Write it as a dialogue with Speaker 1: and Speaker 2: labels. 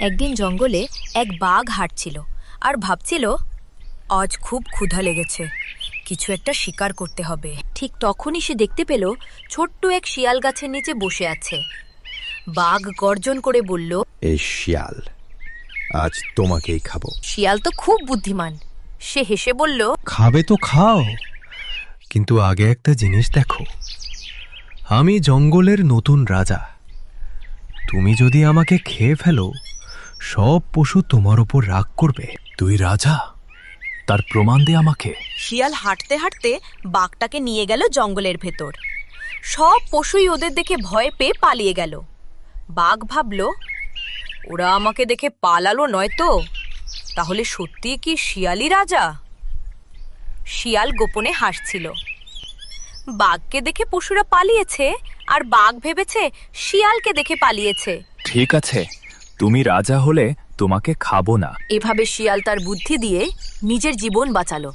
Speaker 1: একদিন জঙ্গলে এক বাঘ হাঁটছিল আর ভাবছিল, আজ খুব ক্ষুধা লেগেছে, কিছু একটা শিকার করতে হবে। ঠিক তখনই সে দেখতে পেল ছোট্ট এক শিয়াল গাছের নিচে বসে আছে। বাঘ গর্জন করে বলল,
Speaker 2: এই শিয়াল, আজ তোমাকেই খাবো।
Speaker 1: শিয়াল তো খুব বুদ্ধিমান, সে হেসে বলল,
Speaker 3: খাবে তো খাও, কিন্তু আগে একটা জিনিস দেখো, আমি জঙ্গলের নতুন রাজা। তুমি যদি আমাকে খেয়ে ফেলো, সব পশু তোমার উপর রাগ করবে।
Speaker 4: তুই রাজা, তার প্রমাণ দে আমাকে।
Speaker 1: শিয়াল হাঁটতে হাঁটতে বাঘটাকে নিয়ে গেল জঙ্গলের ভেতর। সব পশুই ওদের দেখে ভয় পেয়ে পালিয়ে গেল। বাঘ ভাবল, ওরা আমাকে দেখে পালালো নয় তো, তাহলে সত্যি কি শিয়ালই রাজা? শিয়াল গোপনে হাসছিল। বাঘকে দেখে পশুরা পালিয়েছে, আর বাঘ ভেবেছে শিয়ালকে দেখে পালিয়েছে।
Speaker 4: ঠিক আছে, তুমি রাজা হলে তোমাকে খাবো না।
Speaker 1: এভাবে শিয়াল তার বুদ্ধি দিয়ে নিজের জীবন বাঁচালো।